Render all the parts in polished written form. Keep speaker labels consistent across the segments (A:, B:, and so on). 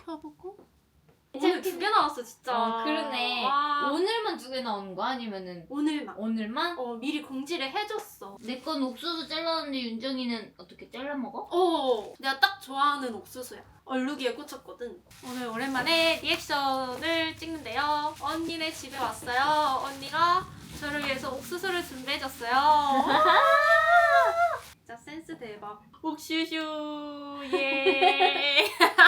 A: 펴보고
B: 오늘 2개 나왔어 진짜.
C: 그러네.
B: 와.
C: 오늘만 2개 나오는 거야? 아니면은
A: 오늘만
C: 오늘만?
A: 미리 공지를 해줬어.
C: 내 건 옥수수 잘랐는데 윤정이는 어떻게 잘라 먹어?
A: 내가 딱 좋아하는 옥수수야. 얼룩이에 꽂혔거든. 오늘 오랜만에 리액션을 찍는데요. 언니네 집에 왔어요. 언니가 저를 위해서 옥수수를 준비해줬어요. 진짜 센스 대박. 옥슈슈 예.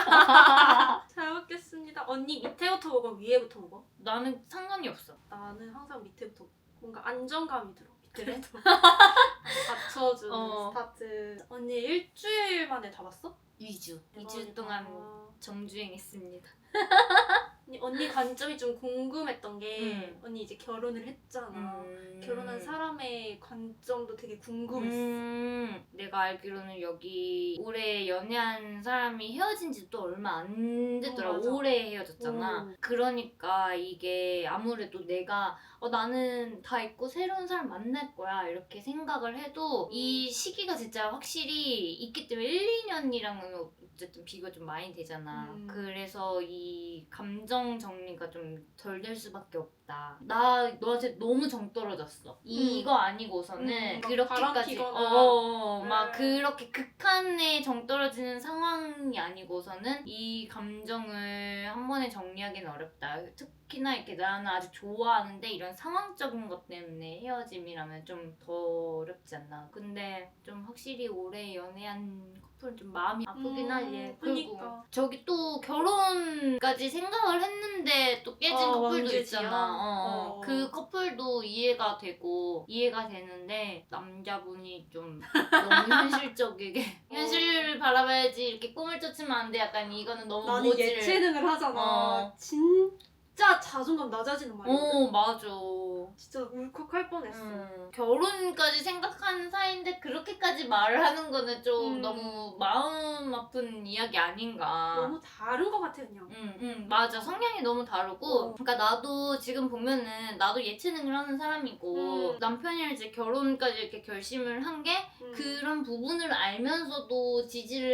A: 잘 먹겠습니다. 언니 밑에부터 먹어? 위에부터 먹어?
C: 나는 상관이 없어.
A: 나는 항상 밑에부터 먹어. 뭔가 안정감이 들어.
C: 그래?
A: 밑에부터. 받쳐주는 스타트. 언니 일주일 만에 다 봤어?
C: 2주.
A: 대박이다.
C: 2주 동안 정주행했습니다.
A: 언니 관점이 좀 궁금했던 게 언니 이제 결혼을 했잖아. 결혼한 사람의 관점도 되게 궁금했어.
C: 내가 알기로는 여기 올해 연애한 사람이 헤어진 지 또 얼마 안 됐더라.
A: 맞아.
C: 올해 헤어졌잖아. 그러니까 이게 아무래도 내가 나는 다 있고 새로운 사람 만날 거야 이렇게 생각을 해도 이 시기가 진짜 확실히 있기 때문에 1, 2년이랑은 어쨌든 비교가 좀 많이 되잖아. 그래서 이 감정 정리가 좀 덜 될 수밖에 없다. 나 너한테 너무 정 떨어졌어. 이거 아니고서는
A: 막
C: 그렇게까지
A: 바람
C: 막 그렇게 극한의 정 떨어지는 상황이 아니고서는 이 감정을 한 번에 정리하기는 어렵다. 특히나 이렇게 나는 아직 좋아하는데 이런 상황적인 것 때문에 헤어짐이라면 좀 더 어렵지 않나. 근데 좀 확실히 오래 연애한 커플은 좀 마음이 아프긴 하지. 그리고
A: 그러니까.
C: 저기 또 결혼까지 생각을 했는데 또 깨진 커플도
A: 왕재지야.
C: 있잖아. 그 커플도 이해가 되고 이해가 되는데 남자분이 좀 너무 현실적이게 현실을 바라봐야지 이렇게 꿈을 쫓으면 안 돼. 약간 이거는 너무
A: 나는
C: 모질.
A: 예체능을 하잖아. 진짜 자존감 낮아지는 말이거든.
C: 맞아.
A: 진짜 울컥할 뻔했어.
C: 결혼까지 생각하는 사이인데 그렇게까지 말을 하는 거는 좀 너무 마음 아픈 이야기 아닌가.
A: 너무 다른 것 같아 그냥.
C: 맞아. 성향이 너무 다르고. 그러니까 나도 지금 보면은 나도 예체능을 하는 사람이고 남편이랑 이제 결혼까지 이렇게 결심을 한 게 그런 부분을 알면서도 지지를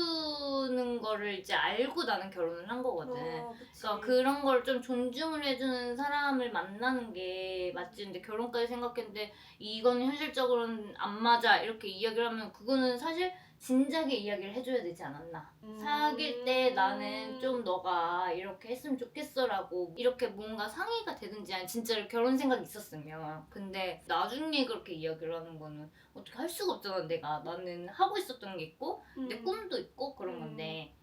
C: 해주는 거를 이제 알고 나는 결혼을 한 거거든. 그러니까 그런 걸 좀 존중을 해주는 사람을 만나는 게 맞지. 근데 결혼까지 생각했는데 이건 현실적으로는 안 맞아 이렇게 이야기를 하면 그거는 사실 진작에 이야기를 해줘야 되지 않았나. 사귈 때 나는 좀 너가 이렇게 했으면 좋겠어라고 이렇게 뭔가 상의가 되든지 아니 진짜로 결혼 생각이 있었으면. 근데 나중에 그렇게 이야기를 하는 거는 어떻게 할 수가 없잖아. 나는 하고 있었던 게 있고 내 꿈도 있고 그런 건데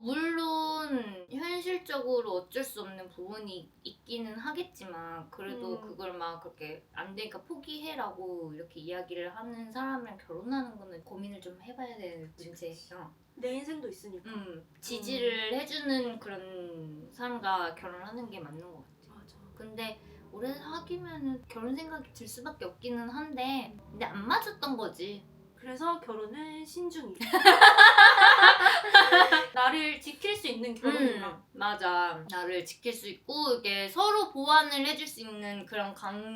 C: 물론 현실적으로 어쩔 수 없는 부분이 있기는 하겠지만 그래도 그걸 막 그렇게 안 되니까 포기해라고 이렇게 이야기를 하는 사람이랑 결혼하는 거는 고민을 좀 해봐야 되는 문제예요.
A: 내 인생도 있으니까.
C: 지지를 해주는 그런 사람과 결혼하는 게 맞는 것 같아.
A: 맞아.
C: 근데 오래 사귀면은 결혼 생각이 들 수밖에 없기는 한데 근데 안 맞았던 거지.
A: 그래서 결혼은 신중히. 나를 지킬 수 있는 결혼이랑.
C: 맞아. 나를 지킬 수 있고 이게 서로 보완을 해줄 수 있는 그런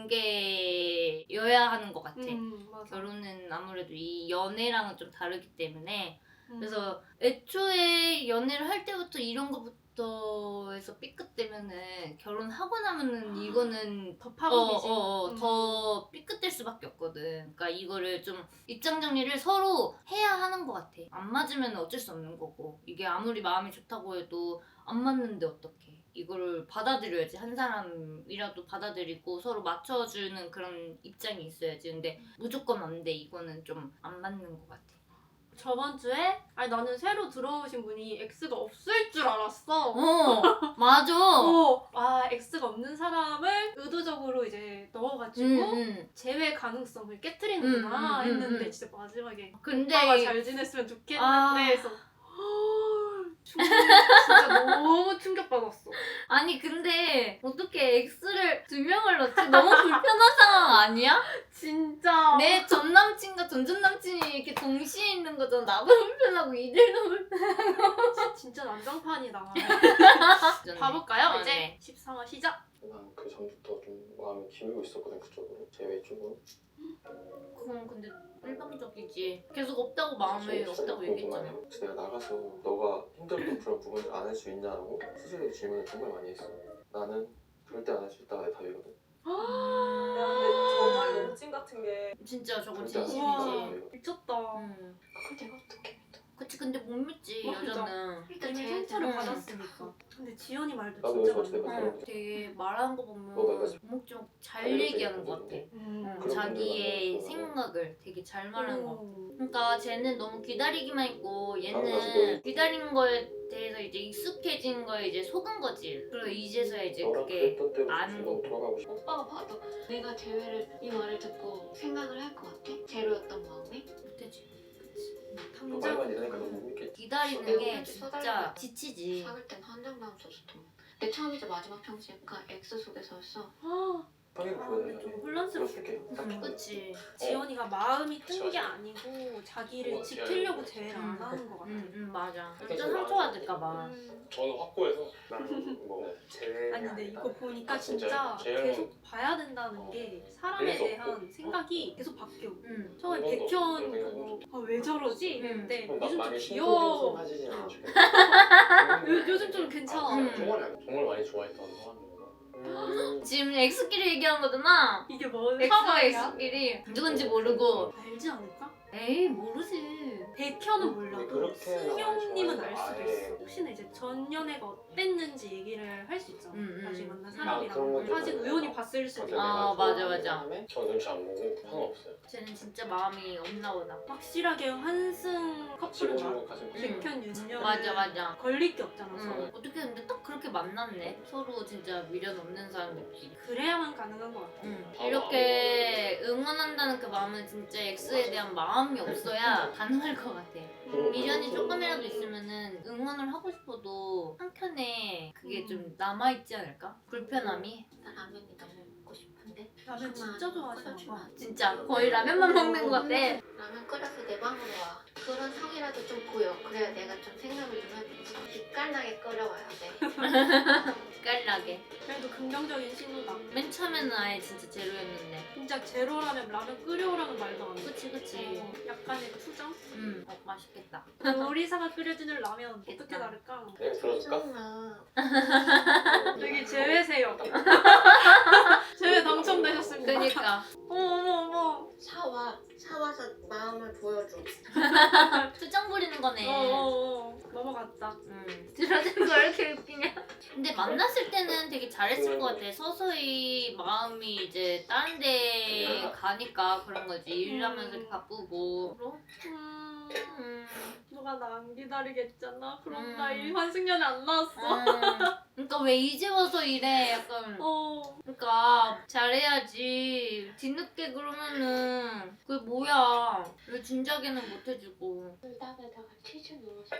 C: 관계여야 하는 것 같아.
A: 맞아.
C: 결혼은 아무래도 이 연애랑은 좀 다르기 때문에 그래서 애초에 연애를 할 때부터 이런 것부터 해서 삐끗되면은 결혼하고 나면은 이거는
A: 더 파국이지.
C: 더 삐끗될 수밖에 없거든. 그러니까 이거를 좀 입장 정리를 서로 해야 하는 것 같아. 안 맞으면 어쩔 수 없는 거고 이게 아무리 마음이 좋다고 해도 안 맞는데 어떡해. 이거를 받아들여야지. 한 사람이라도 받아들이고 서로 맞춰주는 그런 입장이 있어야지. 근데 무조건 안 돼. 이거는 좀 안 맞는 것 같아.
A: 저번 주에 나는 새로 들어오신 분이 X가 없을 줄 알았어.
C: 맞아.
A: X가 없는 사람을 의도적으로 이제 넣어가지고 재회 가능성을 깨트리는구나 했는데 진짜 마지막에
C: 근데
A: 오빠가 잘 지냈으면 좋겠는데 해서 진짜 너무 충격받았어.
C: 아니 근데 어떻게 X를 2명을 넣지? 너무 불편한 상황 아니야?
A: 진짜.
C: 내 전 남친과 전 남친이 이렇게 동시에 있는 거잖아. 나도 불편하고 이들도 불편하고.
A: 진짜 난장판이다.
C: 좋네.
A: 봐볼까요?
C: 아,
A: 이제
C: 네.
A: 13화 시작.
D: 난 그 전부터 좀 마음이 기울고 있었거든 그쪽으로 제외 쪽으로.
C: 그건 근데 일방적이지. 계속 없다고 마음에
D: 그래서
C: 없다고 얘기했잖아.
D: 궁금하네. 그래서 내가 나가서 너가 힘들었던 그런 부분을 안 할 수 있냐고 스스로 질문을 정말 많이 했어. 나는 절대 안 할 수 있다가 내 답이거든.
E: 야, 근데 정말 너무 찐 같은 게
C: 진짜 저건
D: 절대 안 할 수
A: 우와.
D: 있다가 내
C: 진심이지.
D: 답이거든.
A: 미쳤다.
E: 그걸 내가 어떻게 믿어?
C: 그치 근데 못 믿지
A: 맞아.
C: 여자는.
E: 일단
A: 이미
E: 제
A: 상처를
C: 음.
A: 받았으니까. 근데 지연이 말도
D: 나도
A: 진짜
D: 그래서
A: 맞는
D: 내가
A: 거 같아.
C: 되게 말하는 거 보면
D: 너가 그래서
C: 오목조목 잘
D: 알려져
C: 얘기하는 것 같아.
D: 있는
A: 음.
C: 자기의
D: 분들 만나서
C: 생각을 되게 잘 말하는 것 같아.
A: 오.
C: 그러니까 쟤는 너무 기다리기만 했고
D: 맞아,
C: 얘는
D: 맞아.
C: 기다린 거에 대해서 이제 익숙해진 거에 이제 속은 거지. 그리고 이제서야 이제
D: 너랑
C: 그게
D: 그랬던 때로
C: 아는
D: 지금
C: 거고.
D: 돌아가고 싶어.
E: 오빠가 봐도 내가 재회를 이 말을 듣고 생각을 할 것 같아? 제로였던 마음이?
C: 못되지.
D: 너
A: 당장
D: 말만 이러니까 너 못 믿겠지.
C: 기다리는
E: 내가
C: 게
E: 혼자
C: 진짜
E: 써달라고.
C: 지치지.
E: 사귈 땐 한장 마음 썼었던 거. 내 처음이자 마지막 평지가 X 속에서였어.
A: 아,
D: 확인
A: 아,
D: 보여줘.
A: 좀 혼란스럽게.
C: 그치.
A: 지연이가 마음이 뜬 게 아니고 자기를 지키려고 제외를 안 하는 것 같아.
C: 맞아. 완전 상처받을까봐.
F: 저는 확고해서 나는 뭐 제외
A: 아니 근데 이거 보니까
F: 진짜
A: 진짜
F: 제형은-
A: 계속 봐야 된다는 게 사람에
F: 그래서
A: 대한 생각이 계속 바뀌어. 처음에
F: 한 번도
A: 백현
F: 그런
A: 보고 왜 저러지? 이랬는데
F: 나
A: 요즘 좀
F: 많이
A: 귀여워.
D: 하지진 않아.
A: 요즘 좀 괜찮아.
F: 정말 많이 좋아했던 사람이고
C: 지금 X끼리 얘기한 거잖아.
A: 이게 뭐
C: X와 X끼리 누군지 모르고.
A: 알지 않을까?
C: 에이 모르지.
A: 백현은 몰라도
D: 그렇게
A: 승용님은 알 수도
D: 아예
A: 있어. 혹시나 이제 전 연애가 어땠는지 얘기를 할 수 있잖아. 다시 만난
D: 그런
A: 사람이랑
D: 것도
A: 사실
D: 있잖아요.
A: 우연히 봤을 수도
D: 맞아,
A: 있고.
C: 아, 맞아, 맞아.
F: 전 눈치 안 보고 상관없어요.
C: 쟤는 진짜 마음이 없나 보다.
A: 확실하게 환승 커플은
D: 집어주고 가슴
A: 백현 윤연
C: 맞아.
A: 걸릴 게 없잖아. 서로.
C: 어떻게 근데 딱 그렇게 만났네. 서로 진짜 미련 없는 사람들끼리.
A: 그래야만 가능한 것 같아.
C: 이렇게 응원한다는 그 마음은 진짜 X에 대한 마음이 없어야 가능할 것 같아. 미련이 조금이라도 있으면은 응원을 하고 싶어도 한켠에 그게 좀 남아있지 않을까? 불편함이?
E: 나 라면이 너무 먹고 싶은데.
A: 라면 진짜 좋아하시나 봐.
C: 진짜 거의 라면만 먹는 것 같아.
E: 라면 끓여서 내 방으로 와. 그런 성이라도 좀 보여. 그래야 내가 좀 생각을 좀 해보지. 기깔나게 끓여와야 돼.
C: 깔라게.
A: 그래도 긍정적인 신호다.
C: 맨 처음에는 아예 진짜 제로였는데.
A: 진짜 제로라면 라면 끓여오라는 말도 안 해.
C: 그치.
A: 약간의 투정?
C: 맛있겠다.
A: 요리사가 끓여주는 라면 어떻게
C: 맛있겠다.
A: 다를까?
F: 내가 들어줄까?
E: 짜증나.
A: 되게 제외세요. 제외 당첨되셨습니다.
C: 그니까.
A: 어머.
E: 사와서 마음을 보여줘.
C: 투정 부리는 거네.
A: 넘어갔다.
C: 들어준 거 이렇게 웃기냐? 근데 만났을 때는 되게 잘했을 것 같아. 서서히 마음이 이제 다른 데 가니까 그런 거지. 일하면서 이렇게 바쁘고.
A: 너가 나 안 기다리겠잖아. 그럼
C: 음.
A: 나 이 환승연애 안 나왔어.
C: 그러니까 왜 이제 와서 이래? 약간. 그러니까 잘해야지. 뒤늦게 그러면은 그게 뭐야? 왜 진작에는 못 해주고.
E: 불닭에다가 치즈 넣어서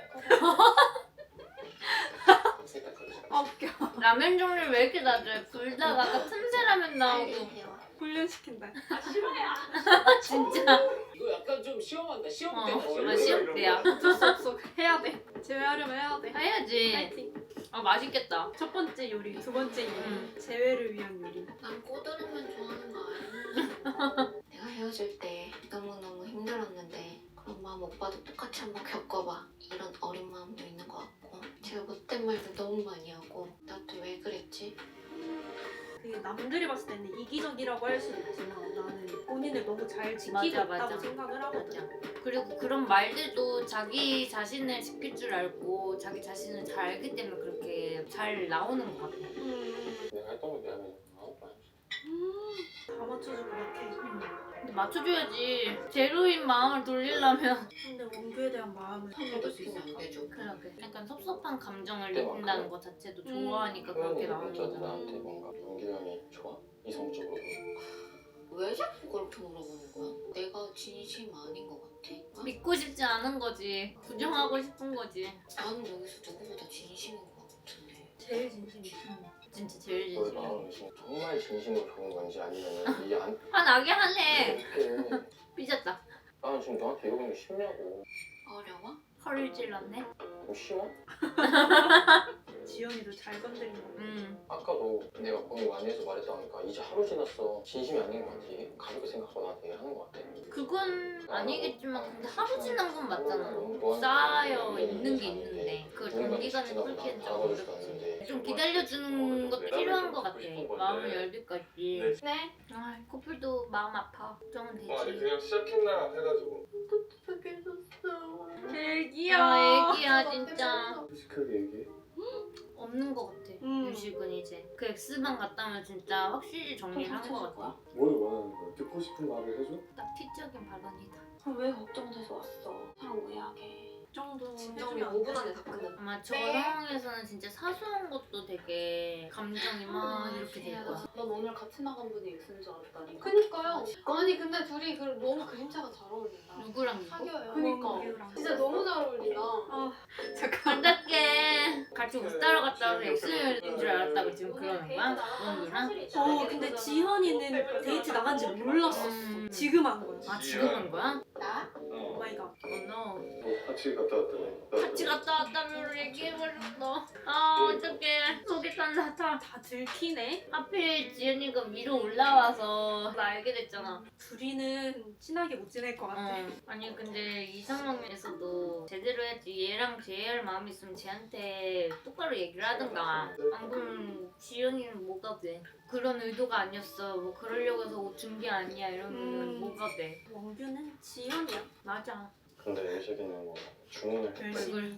A: 아 웃겨.
C: 라면 종류 왜 이렇게 낮아요? 불닭 아까 틈새 라면 나오고.
A: 훈련시킨다.
C: 진짜.
F: 이거 약간 좀 시험한다. 시험
C: 시험 때야.
A: 어쩔 수 없어. 해야 돼. 제외하려면 해야 돼.
C: 해야지.
A: 파이팅.
C: 맛있겠다.
A: 첫 번째 요리, 두 번째 요리. 제외를 위한 요리.
E: 난 꼬들으면 좋아하는 거 아니야. 내가 헤어질 때 너무너무 힘들었는데 그런 마음 오빠도 똑같이 한번 겪어봐. 이런 어린 마음도 있는 것 같고 제가 못된 말도 너무 많이 하고 나도 왜 그랬지?
A: 그게 남들이 봤을 때는 이기적이라고 할 수도 있지만 나는 본인을 너무 잘 지키고
C: 맞아,
A: 있다고
C: 맞아.
A: 생각을 하거든.
C: 그리고 그런 말들도 자기 자신을 지킬 줄 알고 자기 자신을 잘 알기 때문에 그렇게 잘 나오는 것 같아.
D: 내가 했던 거 미안해. 아무것도 안 했어.
A: 다 맞춰주고 이렇게.
C: 근데 맞춰줘야지. 제로인 마음을 돌리려면.
A: 근데 원규에 대한 마음을
E: 한번도
A: 찾을 수
E: 피면 안
A: 있을까?
E: 되죠.
C: 그러게. 약간 섭섭한 감정을
D: 그때
C: 느낀다는
D: 막
C: 것 자체도 좋아하니까
D: 표현이
C: 그렇게 나오는
D: 어쩌든
C: 거잖아.
D: 나한테 뭔가 용규 형이 좋아? 이성적으로.
E: 왜 자꾸 그렇게 물어보는 거야? 내가 진심 아닌 것 같아?
C: 믿고 싶지 않은 거지. 부정하고 싶은 거지.
E: 나는 여기서 누구보다 진심인 것 같은데.
A: 제일 진심이지.
C: 진짜 제일
D: 너의
C: 진심이야.
D: 마음을 정말 정말 진심으로 좋은 건지 아니면 이게 안
C: 화나게 하네.
D: 이렇게
C: 삐졌다.
D: 나는 지금 너한테 이러는 게 쉽냐고.
E: 어려워?
C: 허를 찔렀네.
D: 좀 쉬워?
A: 지연이도 잘 건드린다.
D: 아까도 내가 고민 많이 해서 말했다니까 이제 하루 지났어. 진심이 아닌 것 같아. 가볍게 생각하고 나한테 얘기하는 것 같아.
C: 그건 아니겠지만 근데 하루 지난 건 맞잖아.
D: 너한테
C: 쌓여 있는 게 있는데 그걸
D: 누군가
C: 단기간에
D: 지나고
C: 풀기엔
D: 나한테
C: 좀
D: 알아볼 수도
C: 어렵지.
D: 않는데.
C: 좀 기다려주는 것도 필요한 것 같아. 마음을 열기까지.
E: 네?
C: 아, 커플도 마음 아파. 걱정은 되지.
F: 아니 그냥 시작했나 해가지고
A: 제일
C: 아,
A: 귀여워.
C: 애기야 진짜.
F: 솔직하게 얘기해.
C: 없는 것 같아. 유식은 이제 그 X만 갔다면 진짜 확실히 정리를 한 것 같아.
F: 뭘 원하는 거야? 듣고 싶은 말을 해줘?
C: 딱 티적인 발언이다.
E: 그럼 왜 걱정돼서 왔어? 사람 오해하게.
A: 이 정도
E: 진정이
A: 해주면
E: 5분 안에 다 끝나.
C: 아마 저
E: 네.
C: 상황에서는 진짜 사소한 것도 되게 감정이 막 이렇게 될 거야.
B: 넌 오늘 같이 나간 분이 X인 줄 알았다니까.
E: 그니까요. 아니 근데 둘이 너무 그림자가 잘 어울린다.
C: 누구랑 누구?
E: 사겨요.
B: 그니까. 진짜 너무 잘 어울린다.
C: 어떡해. 같이 옷 사러 갔다 와서 X인 줄 알았다고 지금 그러는 거야? 언니랑?
A: 근데 지현이는 데이트 나간지 몰랐었어. 지금 한 거야.
C: 아 지금 한 거야?
E: 나?
A: 오 마이 갓.
C: no.
F: 같이 갔다 왔더니
C: 같이 갔다 왔다면 얘기해버렸어. 아 어떡해. 속이 탄다 타.
A: 다 들키네.
C: 하필 지은이가 위로 올라와서 나 알게 됐잖아.
A: 둘이는 친하게 못 지낼 것 같아.
C: 아니 근데 이 상황에서도 제대로 해야지. 얘랑 제이할 마음이 있으면 쟤한테 똑바로 얘기를 하든가. 안 그러면 지은이는 뭐가 돼? 그런 의도가 아니었어. 뭐 그러려고 해서 옷 준 게 아니야. 이러면 뭐가 돼?
A: 원규는 지현이야.
C: 맞아.
D: 근데 예식이는 뭐 주문을
A: 열심히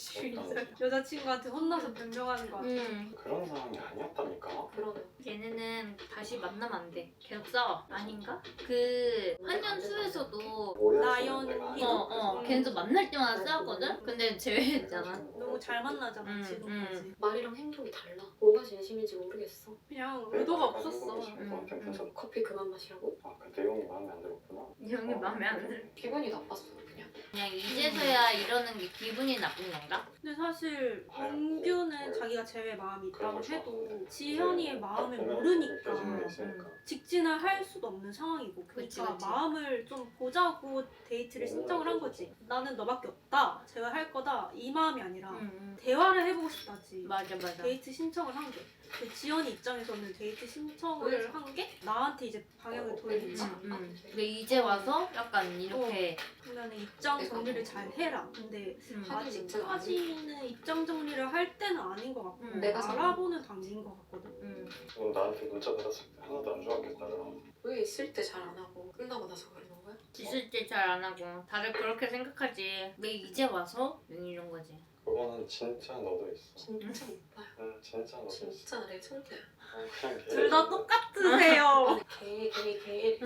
A: 여자친구한테 혼나서 변명하는 거 같아.
D: 그런 상황이 아니었다니까.
E: 그러네.
C: 얘네는 다시 만나면 안 돼. 계속 싸워. 아닌가? 그 한년수에서도
A: 나연이
C: 걔네도 만날 때마다 싸웠거든? 근데 제외했잖아.
A: 너무 잘 만나잖아 지금까지.
E: 말이랑 행동이 달라. 뭐가 진심인지 모르겠어.
A: 그냥 의도가 없었어.
E: 커피 그만 마시라고?
D: 아, 그 내용이 마음에 안 들었구나.
C: 이 형이 마음에 안 들어.
E: 기분이 나빴어 그냥.
C: 그냥 이제서야 이러는 게 기분이 나쁜 건가?
A: 근데 사실 원규는 자기가 제외 마음이 있다고 해도 지현이의 마음을 모르니까 직진을 할 수도 없는 상황이고,
C: 그치,
A: 그러니까
C: 그치.
A: 마음을 좀 보자고 데이트를 신청을 한 거지. 나는 너밖에 없다, 제가 할 거다, 이 마음이 아니라 대화를 해보고 싶다지.
C: 맞아.
A: 데이트 신청을 한 게. 근데 지연이 입장에서는 데이트 신청을 한 게 나한테 이제 방향을 돌리지.
C: 근데 이제 와서 약간 이렇게
A: 그러면 입장 정리를 잘 해라. 근데
E: 하긴 진짜
A: 아직까지는 입장 정리를 할 때는 아닌 것 같고
E: 내가
A: 알아보는 단계인 것 같거든.
D: 넌 나한테 문자 받았을 때 하나도 안 좋았겠다잖아.
E: 왜 있을 때 잘 안 하고 끝나고 나서 그러는 거야?
C: 있을 때 잘 안 하고 다들 그렇게 생각하지. 왜 이제 와서? 이런 거지.
D: 그거는 진짜 너도 있어.
E: 진짜 오빠야.
D: 응, 진짜 너도 있어.
E: 진짜 레전드야.
D: 그냥 걔.
A: 둘 다 똑같으세요.
E: 개.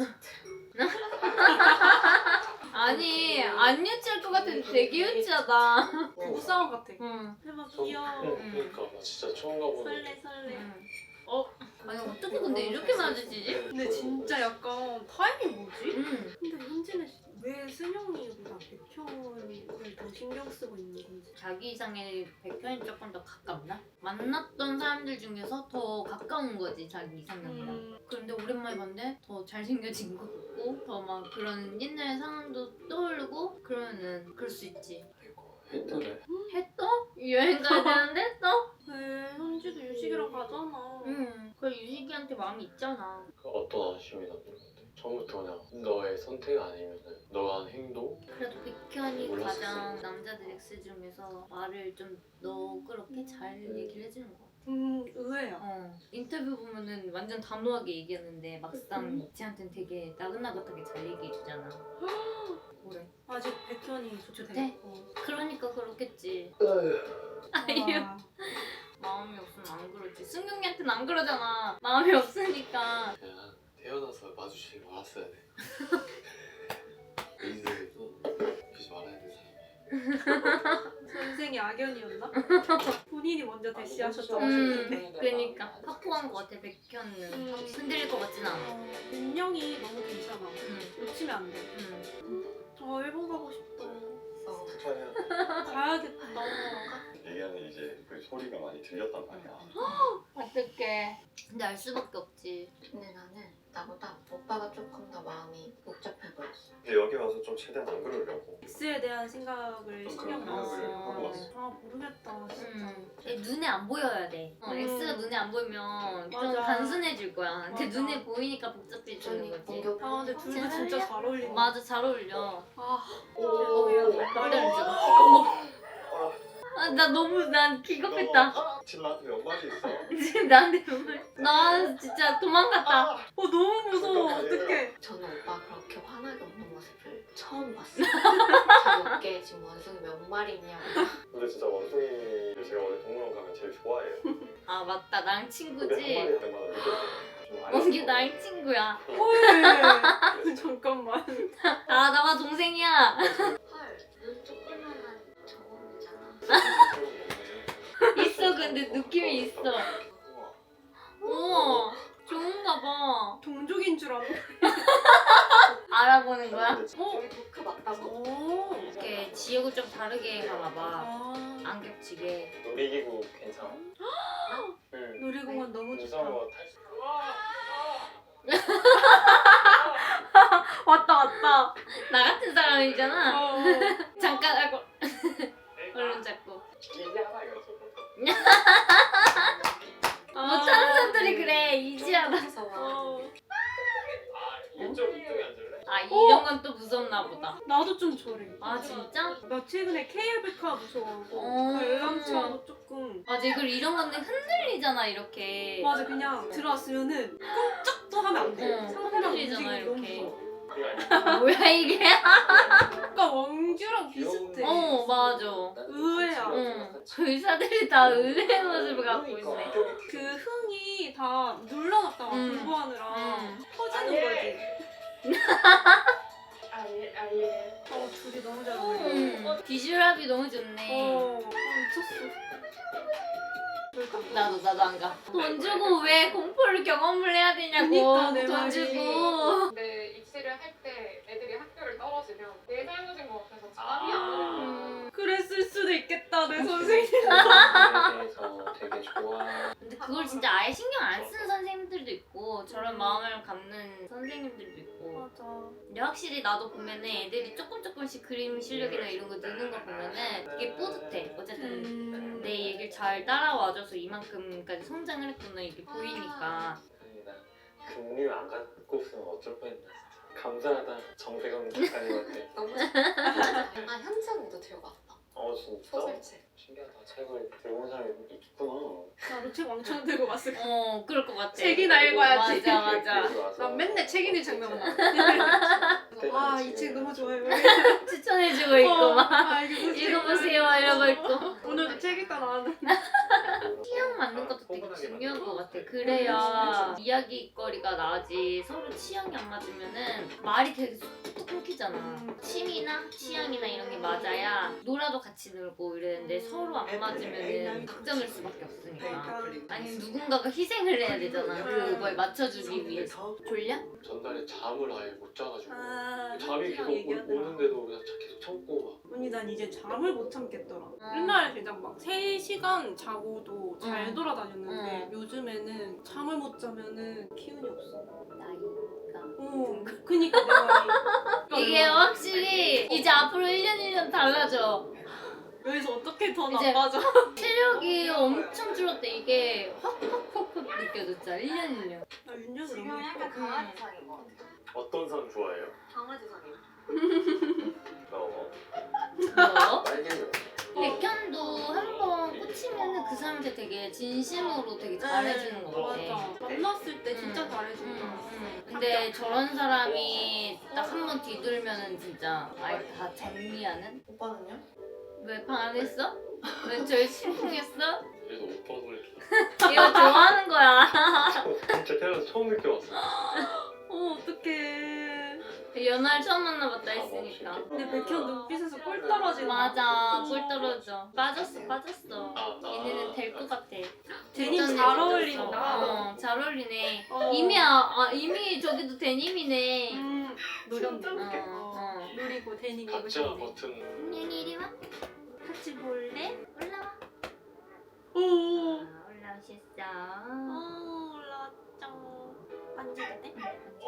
C: 아니 안 유치할 것 같은데 되게 유치하다.
A: 부부싸움 같아.
C: 응.
A: 대박 귀여워.
F: 그러니까 나 진짜 처음 가보는
A: 설레.
C: 아니 어떻게 근데 이렇게 마주치지?
A: 근데 진짜 약간 타이밍 뭐지?
C: 응.
A: 근데 현진은 왜 승영이보다 백현을 더 신경 쓰고 있는 건지.
C: 자기 이상의 백현이 조금 더 가깝나? 만났던 사람들 중에서 더 가까운 거지 자기 이상형이랑. 그런데 오랜만에 봤는데 더 잘생겨진 것 같고 더 막 그런 옛날 상황도 떠오르고 그러면은 그럴 수 있지.
D: 했더래.
C: 했어? 여행 가야 되는데 또?
A: 왜 현지도 유식이랑 가잖아.
C: 응. 그 유식이한테 마음이 있잖아.
D: 그 어떤 아쉬움이 남는 건데? 처음부터 그냥 너의 선택 아니면은 너가 한 행동?
C: 그래도 백현이
D: 몰랐었어.
C: 가장 남자들 X 중에서 말을 좀 너그럽게 잘 얘기를 해주는 것 같아.
A: 의외야.
C: 인터뷰 보면은 완전 단호하게 얘기하는데 막상 쟤한테는 되게 나긋나긋하게 잘 얘기해주잖아. 뭐래?
A: 아직 백현이 조치되고.
C: 네. 그러니까 그렇겠지.
A: 아,
C: 마음이 없으면 안 그러지. 승경이한테는 안 그러잖아. 마음이 없으니까.
D: 그냥 태어나서 마주치지 말았어야 돼. 인생에서 그러지 말아야 돼 사람이.
A: 선생이 악연이었나? 본인이 먼저 대시하셨다고
C: 음.
A: 하셨는데.
C: 그러니까 확고한 것 같아. 백현은 흔들릴 것 같진 않아.
A: 민영이 너무 괜찮아. 놓치면 안 돼.
C: 응.
A: 일본 가고 싶다.
D: 축하해요.
A: 가야겠다.
F: 얘기하는 이제 그 소리가 많이 들렸단 말이야.
C: 어떡해. 근데 알 수밖에 없지.
E: 근데 나는 나보다 오빠가 조금 더 마음이 복잡해 보였어.
F: 근데 여기 와서 좀 최대한 안 그러려고.
A: X에 대한 생각을
F: 좀
A: 신경
F: 그런 생각을
A: 썼어.
F: 하고 왔어.
A: 아 모르겠다 진짜.
C: 근데 눈에 안 보여야 돼. X가 눈에 안 보이면 좀
A: 맞아.
C: 단순해질 거야. 근데
A: 맞아.
C: 눈에 보이니까 복잡해지는 거지.
E: 공격.
A: 아 근데 둘 다 진짜 잘 어울린다.
C: 맞아, 잘 어울려.
A: 아
C: 남자를 찍어. 나 너무 난 기겁했다.
F: 지금 나한테 몇 마디 있어?
C: 지금 나한테 정말 나 진짜 도망갔다.
A: 너무 무서워. 어떡해.
E: 저는 오빠 그렇게 화나게 웃는 모습을 처음 봤어요. 제 어깨에 지금 원숭이 몇 마리 있냐고.
F: 근데 진짜 원숭이를 제가 원래 동물원 가면 제일 좋아해요.
C: 아 맞다, 나랑
F: 근데 한
C: 친구지.
F: 마리 할 때마다 느꼈어요. 좀
C: 원기
F: 알려줘.
C: 나랑 친구야.
A: 헐. 잠깐만.
C: 아 나와 동생이야.
E: 헐, 눈 조그만한 저거잖아.
C: 있어, 근데 느낌이 있어. 우와, 좋은가 봐.
A: 동족인 줄 알아.
C: 알아보는 거야?
E: 여기 도크 맞다고?
A: 오.
C: 이렇게 지역을 좀 다르게 가나 봐.
A: 아.
C: 안 겹치게.
F: 놀이기구 괜찮아? 응.
A: 놀이공원 너무 좋다.
F: 무서워 탈 수.
A: 왔다 왔다.
C: 나 같은 사람이잖아.
A: 어.
C: 잠깐 하고 얼른 잡고. 못하는 사람들이 그래. 이지하다.
A: 어.
F: 이쪽 이쪽에 앉을래?
C: 아 이런 건 또 무섭나 보다.
A: 나도 좀 저래.
C: 아 진짜?
A: 나 최근에 KL백화 무서워하고
C: 어.
A: 관람차도 조금.
C: 맞아, 그리고 이런 건데 흔들리잖아 이렇게.
A: 맞아 그냥 들어왔으면은 꼼짝도 하면 안 돼.
C: 어,
A: 상대방
C: 흔들리잖아,
A: 움직임이 너무
C: 이렇게.
A: 무서워.
F: 그게 아니야.
C: 뭐야 이게?
A: 약간 왕규랑 비슷해.
C: 어 맞아.
A: 의외야.
C: 응. 의사들이 다 의외의 모습을 갖고 있네.
A: 그 흥이 다 눌러놨다가 공부하느라 터지는 거지. 둘이 너무 잘 어울려.
C: 비주얼합이 너무 좋네.
A: 미쳤어.
C: 나도 안 가. 돈 주고 왜 공포를 경험을 해야 되냐고.
A: 그니까, 내
C: 돈
A: 말이.
C: 주고.
G: 근데 입시를 할 때 애들이 학교를 떨어지면 내 잘못인 것 같아서 잠이 안 오는
A: 그랬을 수도 있겠다 내 선생님.
D: 대해서 되게 좋아.
C: 근데 그걸 진짜 아예 신경 안 쓰는 선생님들도 있고 저런 마음을 갖는 선생님들도 있고.
A: 맞아.
C: 근데 확실히 나도 보면은 애들이 조금씩 그림 실력이나 이런 거 느는 거 보면은 되게 뿌듯해. 어쨌든 내 얘기를 잘 따라와줘서 이만큼까지 성장을 했구나 이게 보이니까.
D: 다행이다. 금류 안 갖고 없으면 어쩔 뻔했나 진짜. 감사하다 정세경 작가님한테.
E: 너무 아 현지 언니도 들고 왔다.
D: 진짜?
E: 소설책.
D: 신기하다. 책을 들고 온 사람이 있구나.
A: 나도 책 왕창 들고 왔을 거야.
C: 그럴 것 같아.
A: 책이나 읽어야지.
C: 맞아.
D: 그리고 와서
A: 난 맨날 책 읽는 장면만 나.
D: 그때는
A: 아, 이
D: 지금
A: 책 너무 좋아요.
C: 추천해주고 있고 막.
A: 아,
C: 읽어보세요 이러고 있고.
A: 오늘도 책 읽다 나왔는데.
C: 취향 맞는 것도 되게 중요한 것 같아. 그래야 이야기거리가 나지. 서로 취향이 안 맞으면은 말이 되게 뚝뚝 끊기잖아. 취미나 취향이나 이런 게 맞아야 놀아도 같이 놀고 이랬는데 서로 안 맞으면은 극점일 수밖에 없으니까. 아니 누군가가 희생을 해야 되잖아. 그걸 맞춰주기 위해서. 졸려?
D: 전날에 잠을 아예 못 자가지고
A: 아,
D: 잠이 계속 오는데도 그냥 계속 참고 막.
A: 언니 난 이제 잠을 못 참겠더라.
C: 음.
A: 옛날에 그냥 막 3시간 자고도 잘
C: 응.
A: 돌아다녔는데 요즘에는 잠을 못 자면은 기운이 없어.
C: 나이가.
A: 그니까 내 말이.
C: 이게 확실히 이제 앞으로 1년 달라져.
A: 여기서 어떻게 더
C: 이제-
A: 나빠져?
C: 체력이 엄청 줄었대. 이게 확 느껴졌잖아. 1년.
A: 나 윤정이
E: 지금
A: 너무
E: 약간
A: 예뻐.
E: 강아지상인 것 같아.
F: 어떤 선 좋아해요?
E: 강아지상이야.
F: 너?
C: 뭐?
D: 빨개요.
C: 백현도 한번 꽂히면은 그 사람한테 되게 진심으로 되게 잘해주는 것 같아.
A: 맞아. 만났을 때 진짜
C: 응.
A: 잘해준다.
C: 근데 저런 사람이 딱 한 번 뒤돌면은 진짜 아예 다 정리하는?
E: 오빠는요?
C: 왜 방 안 했어? 왜 저희 심쿵했어?
F: 그래서 오빠 소리
C: 이거 좋아하는 거야.
F: 진짜 태어나서 처음 느껴봤어.
A: 어떡해.
C: 연하를 처음 만나봤다 했으니까.
A: 근데 백현 눈빛에서 꿀 떨어지는
C: 맞아, 꿀 떨어져. 빠졌어. 얘네는 될 것 같아.
A: 데님
C: 어쩐지
A: 잘
C: 좋겠어.
A: 어울린다.
C: 잘 어울리네.
A: 어.
C: 이미 저기도 데님이네.
A: 노렸네.
C: 어.
A: 노리고 데님
F: 각자
A: 입으셨네.
F: 버튼
C: 은연이 이리 와. 같이 볼래? 올라와. 됐어.
A: 올라왔죠. 만지도 돼?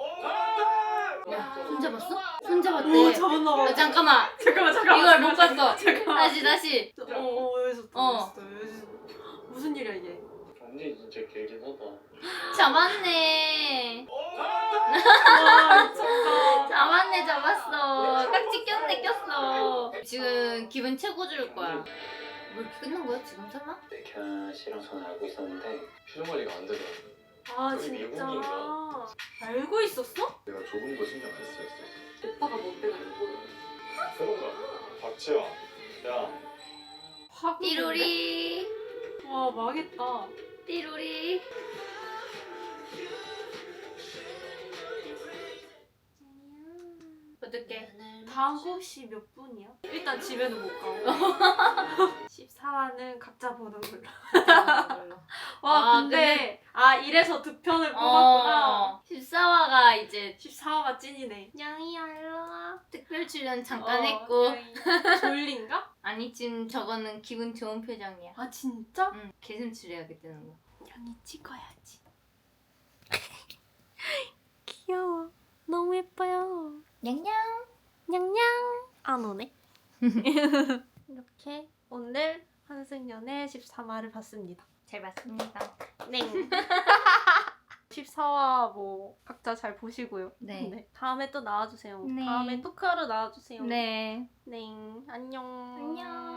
C: 손 잡았어? 손 잡았대.
A: 오 잡았나 봐.
C: 잠깐만.
A: 잠깐만.
C: 이걸 못 봤어.
A: 잠깐만.
C: 다시.
A: 여기서
C: 어.
A: 무슨 일이야 이게?
F: 언니 진짜 길긴 하다.
C: 잡았네.
A: 와 미쳤다.
C: 잡았네, 잡았어. 깍지 꼈어. 지금 기분 최고 줄 거야. 뭐 이렇게 끝난 거야 지금 설마?
H: 백현 씨랑 저는 알고 있었는데
D: 표정 관리가 안 되더라고.
A: 아
F: 저기
A: 진짜.
F: 미국인가?
A: 알고 있었어?
D: 내가 조금 더 신경 안 썼어.
B: 오빠가 뭐 빼고 이거
F: 그런가? 박지영. 야.
A: 화분.
C: 띠로리.
A: 와 망했다.
C: 띠로리. 어떡해.
A: 다음 곡시 몇 분이야? 일단 집에는 못 가고 14화는 각자 보는 걸로. 와
C: 아,
A: 근데 이래서 두 편을 뽑았구나.
C: 14화가 이제
A: 14화가 찐이네. 냥이야 일로와.
C: 특별 출연 잠깐 했고.
A: 졸린가?
C: 아니 지금 저거는 기분 좋은 표정이야.
A: 아 진짜?
C: 응, 개슴츠레하겠다는 거.
A: 냥이 찍어야지. 귀여워. 너무 예뻐요.
C: 냥냥.
A: 냥냥. 안 오네. 이렇게 오늘 환승연의 13화를 봤습니다.
C: 잘 봤습니다.
A: 네. 14화 뭐 각자 잘 보시고요.
C: 네.
A: 다음에 또 나와주세요.
C: 네.
A: 다음에 토크하러 나와주세요.
C: 네.
A: 네. 안녕.
C: 안녕.